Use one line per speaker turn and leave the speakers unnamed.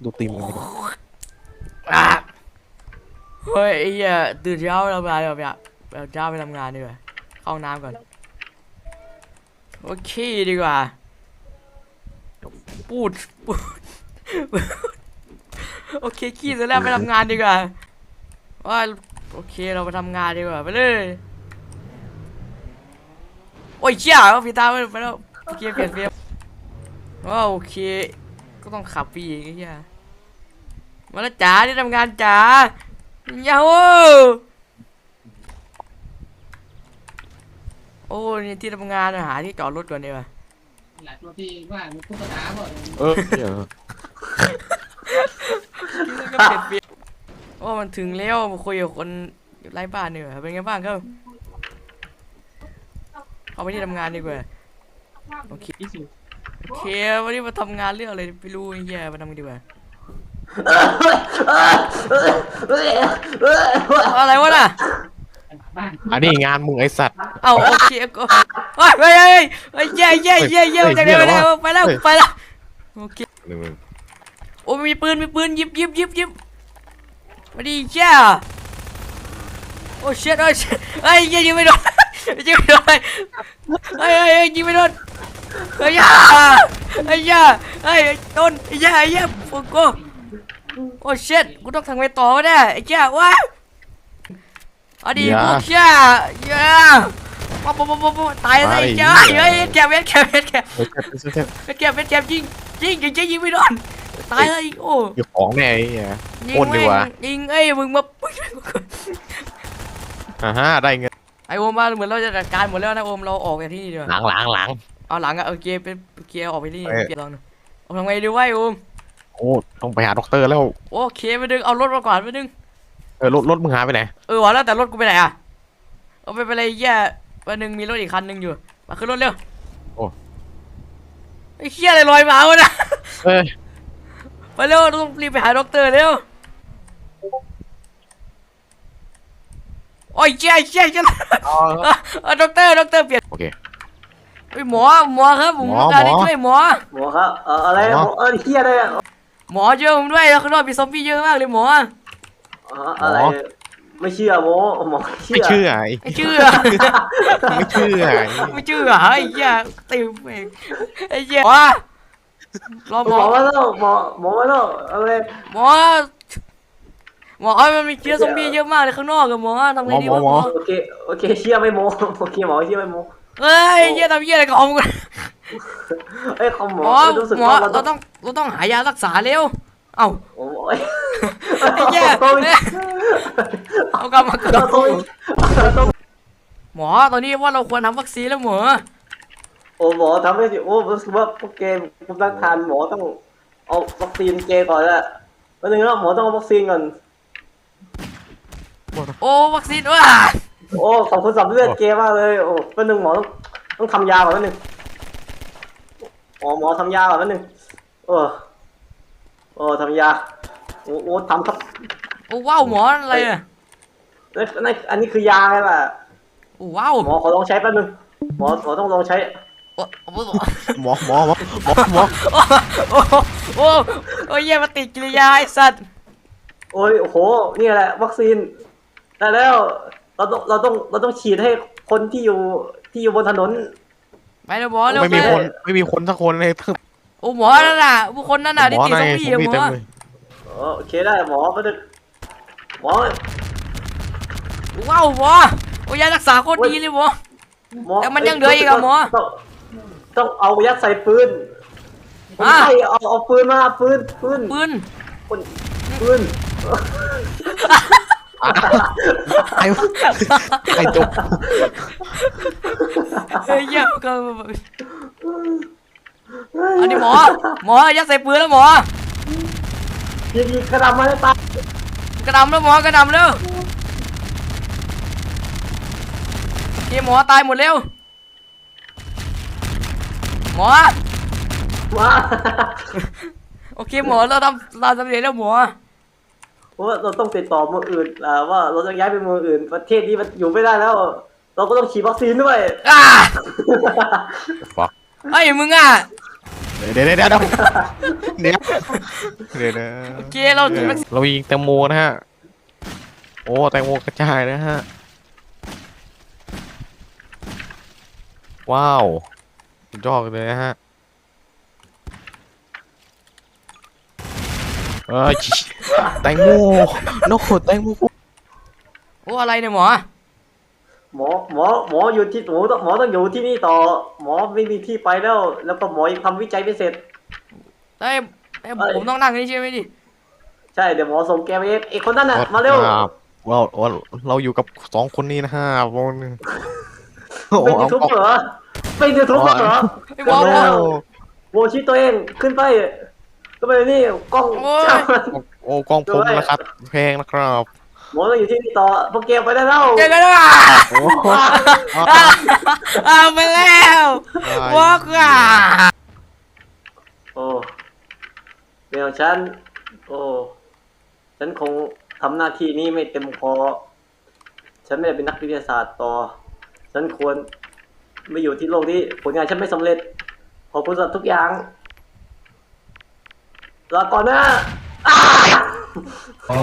ดูตีมกันดีกว่า
เฮ้ยไอ้เหี้ยตื่นเช้าไปทำงานดีกว่าแบบเช้าไปทำงานดีกว่าเข้าห้องน้ำก่อนโอเคดีกว่าปูดโอเคขี้เสร็จแล้วไปทำงานดีกว่าว่าโอเคเราไปทำงานดีกว่าไปเลยโอ้ยเชี่ยพี่ตาไปแล้วโอเคเปลี่ยนเฟรมโอเคก็ต้องขับปีกไอ้เหี้ยมาแล้วจ๋าที่ทำงานจ๋าเย้าโอ้นี่ที่ทำงานหาที่จอดรถก่อนดีกว่า
หลักรถที่ว่ามีผู้ประกาศบ่
เดี๋ยว
ก็เปลี่ยนเปลี่ยนโอ้มันถึงแล้วมาคุยกับคนไร้บ้านเนี่ยเป็นไงบ้างครับเอาไปที่ทำงานดีกว่าโอเคโอเควันนี้มาทำงานเรื่องอะไรไม่รู้ไอ้เหี้ยมาทำกันดีกว่าอะไรวะน่ะ
อันนี้งานมึงไอสัตว์
เอาโอเคก็เฮ้ยเย่จากไหนไปแล้วโอเคโอ้มีปืนหยิบมาดิเจ้าโอ้เชิดเฮ้ยยิงไม่โดนยิงไม่โดนเฮ้ยยิงไม่โดนเฮ้ยโดนไอ้ย่าโอ้โหโอ้เชิดกูต้องทำไงต่อวะเนี่ยไอ้เจ้าว้าเอาดิพวกเจ้าป๊อตายเลยเจ้าเฮ้ยแกยิงไม่โดนตายเลยโอ้
ยของแน่ไอ้เหี้ยโอนดีกว่า
ยิงมึงมา
ได้เงิน
ไอโอมมาเหมือนเราจะจัดการหมดแล้วนะโอมเราออกจากที่นี่ดีกว่า
หลัง
เอาหลังอะโอเคเป็นเกียร์ออกไปที่เกียร์ลองดูทำไงดีวะโอม
โอ้ต้องไปหาด็อกเตอร์แล้ว
โอเคไปดึงเอารถมาก่อนไปดึง
รถมึงหายไปไหน
วะแล้วแต่รถกูไปไหนอะเอาไปเลยแย่วันนึงมีรถอีกคันนึงอยู่มาขึ้นรถเร็ว
โอ้
ไอ้เคี้ยอะไรลอยมาวะนะไปเร็วต้องรีบไปหาด็อกเตอร์เร็วโอ้ยเชี่ยด็อกเตอร์เปลี่ยน
โอเค
หมอครับผมต้องการให้ช่วยหมอ
ครับอะไรหมอเฮียอะไร
หมอช่วยผมด้วยแล้วข้างนอกมีซอมบี้เยอะมากเลยหมอ
อะไรไม่เชื่อหมอ
ไม่เชื่อ
ไอ้เหี้ยติวเองไอ้เหี้ยรอหมอ
มาแล้วหมอมาแล้วอะไร
หมอมันมีเชื้อซอมบี้เยอะมากเลยข้างนอกกับหมอทำไงดีวะหมอ
โอเคเชื่อไม่โมโอเคหมอเชื่อไม่โม
เฮ้ยเหี้ยทำเหี้ยอะไรกับมึง
หมอ
เราต้องหายารักษาเร็วเอ้า
โอ้
ยไอ้เหี้ยเอากลับมาหมอตอนนี้ว่าเราควรทำวัคซีนแล้วหมอ
หมอทำให้สิรู้สึกว่าพวกเกมภูมิต้านทานหมอต้องเอาวัคซีนเกก่อนละวันนึงแล้วหมอต้องเอาวัคซีนก่อน
วัคซีนว่ะ
ขอบคุณสำเร็จเกมมากเลยวันนึงหมอต้องทำยาก่อนวันนึงหมอทำยาก่อนวันนึงทำยาทำครับ
ว้าวหมออะไรอ่ะ
อันนี้คือยาไงล่ะ
ว้าว
หมอขอลองใช้แป๊บนึงหมอต้องลองใช้
หมอ
โอ้ยมาติดกิริยาไอ้สัตว์
โอ้โหนี่แหละวัคซีนแต่แล้วเราต้องฉีดให้คนที่อยู่บนถนน
ไปเลยหมอแล้ว
ไม่มีคนสักคนเลย
หมอนั่นน่ะผู้คนนั่นน่ะที่ติดซอมบี้หมอ
โอเคได้หมอไปเลยหมอ
ว้าวหมอยารักษาโคตรดีเลยหมอแต่มันยังเหลืออีกอะหมอ
ต้องเอายัดใส่ปืนใช่เอาปืนมาปืน
ไอ้จบ
เยี่ยมก็อันนี้หมอยัดใส่ปืนแล้วหมอ
ยิงกระดำมาได้ตาย
กระดำแล้วหมอกระดำแล้วหมอตายหมดเร็วหมอโอเคหมอเราสำเร็จแล้วหมอ
ว่าเราต้องติดต่อเมืองอื่นว่าเราจะย้ายไปเมืองอื่นประเทศนี้มันอยู่ไม่ได้แล้วเราก็ต้องฉีดวัคซีนด้วย
ไอ้มึง
เดี๋ยวนะ
โอเคเราถึง
เรายิงแตงโมนะฮะโอ้แตงโมกระจายนะฮะว้าวสุดยอดเลยนะฮะแตงโมโน้แตงโม
โอ้อะไรเนี่ยหมอ
หมออยู่ที่หมอต้องอยู่ที่นี่ต่อ หมอไม่มีที่ไปแล้ว แล้วก็หมอยังทำวิจัยไม่เสร็จ
เอ้ยผมต้องนั่งนี่ใช่ไหมดิ
ใช่เดี๋ยวหมอส่งแกไปเองไอ้คนนั้นน่ะมาเร็ว
เราอยู่กับสองคนนี้นะฮะวงนึง
เป็นยูทูบเหรอเป็นยูทูบเหรอ
ไอ้หมอ
โอ้
โมชี้ตัวเองขึ้นไปก็ไปนี่กล้อง
โอ้ย
โอ้กองผมนะครับแพงนะครับ
หมอต้องอยู่ที่นี่ต่อพวกแกไปได้แล้ว
เจอกันแล้วอ่ะ
โอ้
ไปแล้ววอกอ่ะ
โอ้เดี๋ยวฉันโอ้ฉันคงทำหน้าที่นี้ไม่เต็มพอฉันไม่ได้เป็นนักวิทยาศาสตร์ต่อ ฉันควรไม่อยู่ที่โลกนี้ผลงานฉันไม่สำเร็จขอบคุณสำหรับทุกอย่างลาก่อนนะ